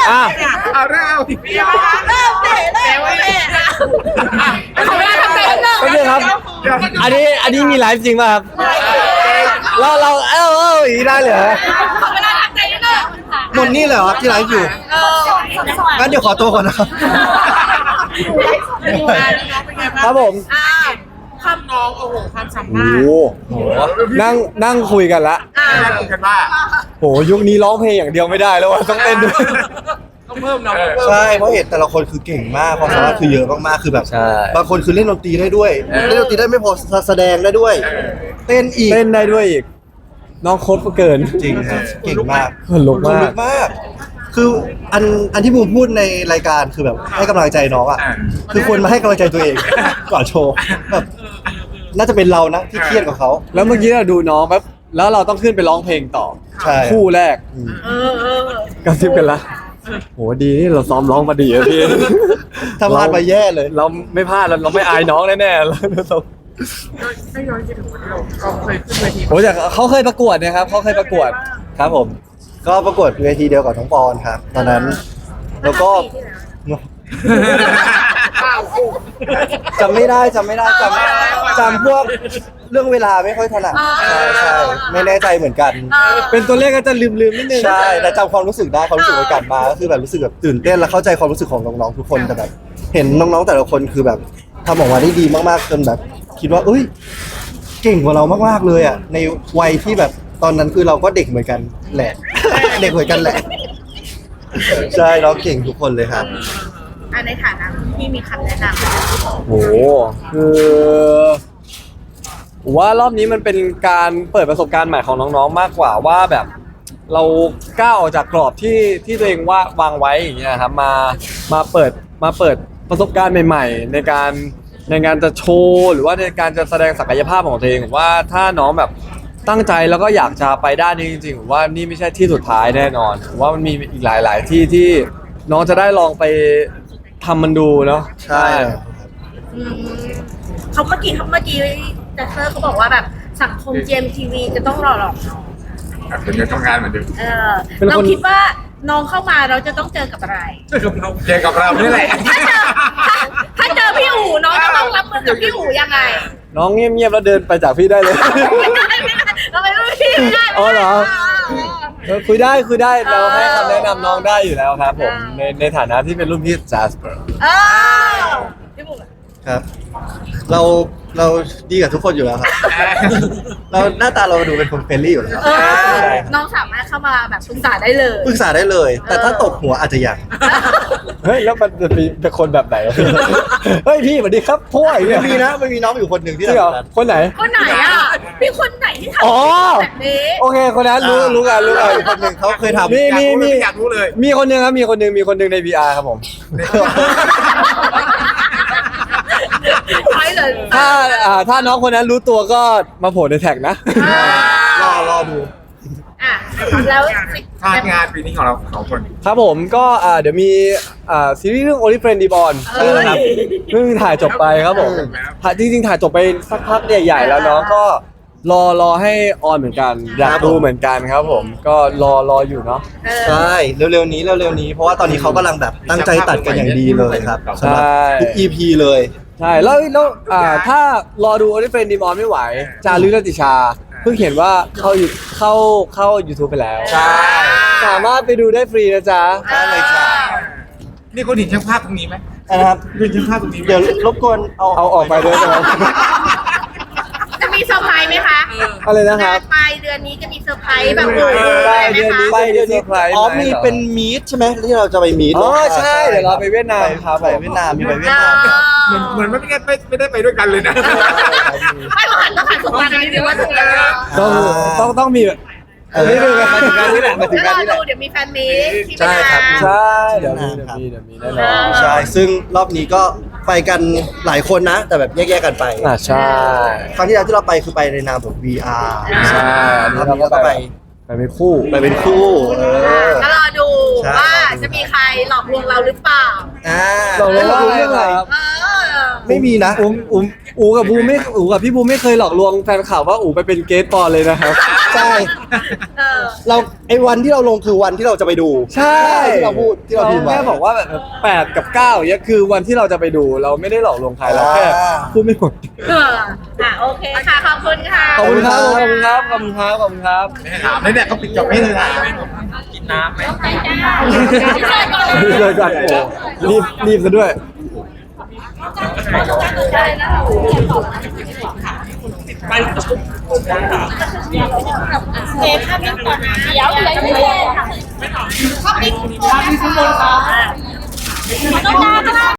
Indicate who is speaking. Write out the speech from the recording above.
Speaker 1: เอาเรื่องเอาสิ
Speaker 2: เริ่มเตะเขาไม่ได้ทำเตะเริ่ม
Speaker 3: ก็คือครับ อันนี้มีไลฟ์จริงป่ะครับเราอย่างนี้ได้เหรอ
Speaker 2: เขาไม่ได้ทำเตะเริ่ม
Speaker 4: นนนี่เหรอครับที่ไลฟ์อยู่งั้นเดี๋ยวขอตัวก่อนนะครับ
Speaker 3: ครับผม
Speaker 1: ข้ามน้องโอ้โหความสา
Speaker 3: โอ้
Speaker 1: มารถ
Speaker 3: โหนั่งคุยกันละ
Speaker 1: ได้คุยกันว่า
Speaker 3: โหยุคนี้ร้องเพลงอย่างเดียวไม่ได้แล้วว่ะต้องเต้นด้วย
Speaker 1: ต้องเพิ่มน้อง
Speaker 4: ใช่เพราะเห็นแต่ละคนคือเก่งมากความสามารถคือเยอะมากๆคือแบบ
Speaker 3: ใช่
Speaker 4: บางคนคือเล่นดนตรีได้ด้วยเล่นดนตรีได้ไม่พอแสดงได้ด้วย เต้นอีก
Speaker 3: เต้นได้ด้วยอีกน้องโคตรเกิน
Speaker 4: จริงครับเก่งมาก
Speaker 3: ขนลุก
Speaker 4: ขน
Speaker 3: มา
Speaker 4: ลุ
Speaker 3: ก
Speaker 4: กมาก คืออันที่บูมพูดในรายการคือแบบให้กำลังใจน้องอ่ะคือควรมาให้กำลังใจตัวเองก่อนโชว์แบบน่าจะเป็นเรานะที่เครียดกว่าเขา
Speaker 3: แล้วเมื่อกี้เราดูน้องแป๊บแล้วเราต้องขึ้นไปร้องเพลงต่อ
Speaker 4: ใช่
Speaker 3: คู่แรกกระซิบกันละโหดีนี่เราซ้อมร้องมาดีอะพี่
Speaker 4: ถ้าพลาดไปแย่เลย
Speaker 3: เราไม่พลาดเราไม่อายน้องแน่ๆเรา
Speaker 1: ไม่ย้อนคิดถึงวันที่เราเคยขึ้นเวที
Speaker 3: โอ้แต่เขาเคยประกวดนะครับเขาเคยประกวดครับผม
Speaker 4: ก็ประกวดเวทีเดียวกับน้องปอนครับตอนนั้นแล้วก็จำไม่ได้จำพวกเรื่องเวลาไม่ค่อยถนัดใช่ไม่แน่ใจเหมือนกัน
Speaker 3: เป็นตัวเลขก็จะลืมนิดนึง
Speaker 4: ใช่แต่จำความรู้สึกได้ความรู้สึกในการมาก็คือแบบรู้สึกแบบตื่นเต้นและเข้าใจความรู้สึกของน้องๆทุกคนแต่แบบเห็นน้องๆแต่ละคนคือแบบทำออกมาได้ดีมากๆจนแบบคิดว่าเอ้ยเก่งกว่าเรามากๆเลยอ่ะในวัยที่แบบตอนนั้นคือเราก็เด็กเหมือนกันแหละ เด็กเหมือนกันแหละใช่น้องเก่งทุกคนเลยครับ
Speaker 2: ในฐานะที่มีคำแนะนำ
Speaker 3: โหคือว่ารอบนี้มันเป็นการเปิดประสบการณ์ใหม่ของน้องๆมากกว่าว่าแบบเราก้าวออกจากกรอบที่ตัวเองวางไว้อย่างเงี้ยครับมาเปิดประสบการณ์ใหม่ๆในการจะโชว์หรือว่าในการจะแสดงศักยภาพของตัวเองผมว่าถ้าน้องแบบตั้งใจแล้วก็อยากจะไปด้านนี้จริงๆผมว่านี่ไม่ใช่ที่สุดท้ายแน่นอนผมว่ามันมีอีกหลายๆที่น้องจะได้ลองไปทำมันดูเนาะ
Speaker 4: ใช่
Speaker 2: เขาเมื่อกี้แต่เซอร์เขาบอกว่าแบบสังคม GMTV จะต้องหล่อหลอกน้อง
Speaker 1: เป็นเงินทำงานเหมือนเดิม
Speaker 2: เราคิดว่าน้องเข้ามาเราจะต้องเจอกับอะไร
Speaker 1: เจอกับเรานี่แหละ
Speaker 2: ถ้าเจอพี่อู๋น้องจะต้องรับมือกับพี่อู๋ยังไง
Speaker 3: น้องเงียบๆแล้วเดินไปจากพี่ได้เลย
Speaker 2: เราไปรุ่นพี่ไม่ได้
Speaker 3: อ๋อเหรอ คุยได้เราให้คำแนะนำน้องได้อยู่แล้วครับผมในฐานะที่เป็นรุ่นพี่จัสเปอร์
Speaker 2: พี่บุ๋ม
Speaker 4: ครับ เราดีกับทุกคนอยู่แล้วครับเราหน้าตาเราดูเป็นคนเฟรนลี่อยู่แล้ว
Speaker 2: น้องสามารถเข้ามาแบบปรึกษาได้เลย
Speaker 4: ปรึกษาได้เลย แต่ถ้าตกหัวอาจจะยัง
Speaker 3: เฮ้ยแล้วมันจะมีเป็นคนแบบไหน เฮ้ยพี่สวัสดีครับพ่ออย่างเงี้ย
Speaker 4: มีนะมันมีน้องอยู่คนหนึ่งที่
Speaker 3: จริงเหรอ
Speaker 4: ทำแบบนั้น
Speaker 3: คนไหน
Speaker 2: คนไหนอ่ะมีคนไหนที่ทำ
Speaker 3: อ๋อ
Speaker 2: แบบนี้
Speaker 3: โอเคคนนั้นรู้กัน
Speaker 4: อีกคนหนึ่งเขาเคยทำ
Speaker 1: อยากรู้เลย
Speaker 3: มีคนหนึ่งครับมีคนหนึ่งใน VR ครับผม
Speaker 2: ใช่เลย
Speaker 3: ถ้าน้องคนนั้นรู้ตัวก็มาโผล่ในแท็กนะ
Speaker 4: รอดู
Speaker 2: อ่ะแล้ว
Speaker 1: พลาดงานปีนี้ของเราสองคน
Speaker 3: ครับผมก็เดี๋ยวมีซีรีส์เรื่อง Only Friend Reborn นะครับเพิ่งถ่ายจบไปครับผมจริงๆถ่ายจบไปสักพักใหญ่ๆแล้วเนาะก็รอให้ออนเหมือนกันอยากดูเหมือนกันครับผมก็รออยู่เนาะ
Speaker 4: ใช่เร็วๆนี้เพราะว่าตอนนี้เขากำลังแบบตั้งใจตัดกันอย่างดีเลยครับสำหรับทุก EP เลย
Speaker 3: ใช่แล้วถ้ารอดู Only Friend Reborn ไม่ไหวจารึกรัตติชาเพิ่งเห็นว่าเข้า YouTube ไปแล้ว
Speaker 4: ใช่
Speaker 3: สามารถไปดูได้ฟรีนะจ๊ะ
Speaker 4: ได้เลยจ้า
Speaker 1: นี่คนเห็นช่างภาพตรงนี้ไหม
Speaker 4: นะครับ
Speaker 1: เห็นช่างภาพตรงนี้ไหม
Speaker 4: เดี๋ยวรบกวนเอา
Speaker 3: เอาออกไปด้วยใช่ไหม
Speaker 2: จะมีเซอร์ไพรส์ไหมคะ
Speaker 3: อะไรนะครับ
Speaker 2: ปลายเดือนนี้จะมีเซอร์ไพรส์แบบ
Speaker 3: ปลายเดือนนี้
Speaker 4: ไปเดี๋ยวนี้อ๋อมีเป็นมีดใช่ไหมที่เราจะไปมีด
Speaker 3: อ๋อใช่เดี๋ยวเราไปเวียดนามครับ
Speaker 4: ไปเวียดนามมีไปเวียดนาม
Speaker 1: เหมือนไม่ได้ไปด้วยกันเลยนะ
Speaker 2: ไม่ต้องหันสุดมานิดนึงว่าจะมีอะไร
Speaker 3: ต้องมีแบบนี่คือมาถึงการนี้แหละมาถึง
Speaker 2: แล้ว
Speaker 3: การ
Speaker 2: รอ
Speaker 3: นี้แหละ
Speaker 2: ดูเดี๋ยวมีแฟนมีตที่
Speaker 4: ใช่ครับ
Speaker 3: ใช่เดี๋ยวมีแน่นอน
Speaker 4: ใช่ซึ่งรอบนี้ก็ไปกันหลายคนนะ แต่แบบแยกๆกันไป
Speaker 3: ใช่
Speaker 4: ครั้งที่แล้วที่เราไปคือไปในนามของ VR
Speaker 3: ใช่
Speaker 4: รอบนี้เราก็ไป
Speaker 3: เป็นคู่
Speaker 4: ไปเป็นคู่
Speaker 2: ก็รอดู
Speaker 4: ใช่
Speaker 2: ว่าจะมีใครหลอกลวงเราหรือเปล่า
Speaker 3: เราเรื่องอะไรครับ
Speaker 4: ไม่มีนะ
Speaker 3: อูกับพี่บูไม่เคยหลอกลวงแฟนข่าวว่าอูไปเป็นเกสปอนเลยนะครับ
Speaker 4: ใช่
Speaker 2: เออ
Speaker 4: เราไอ้วันที่เราลงคือวันที่เราจะไปดู
Speaker 3: ใช่
Speaker 4: ที่เราพูดที่เราพิมพ์ไว้
Speaker 3: แค่บอกว่าแบบ8 กับ 9อย่างเงี้ยคือวันที่เราจะไปดูเราไม่ได้หลอกลวงใครเราแค่
Speaker 4: อ่า
Speaker 3: พูดไม่หมด
Speaker 2: เออโอเคค่ะ ขอบคุณค่ะ
Speaker 3: ขอบคุณครับขอบคุณครับขอบคุณครับขอบคุณครับ
Speaker 1: ไม่แดกก็ปิดจบไม่เลยนะกินน้ำไหม
Speaker 3: เลยก่อนโอ้รีบซะด้วย
Speaker 2: เซฟภาพนิ่งก่อนนะเดี๋ยวอะไรไม่เล่นภาพนิ่งข้างบนค่ะต้องการ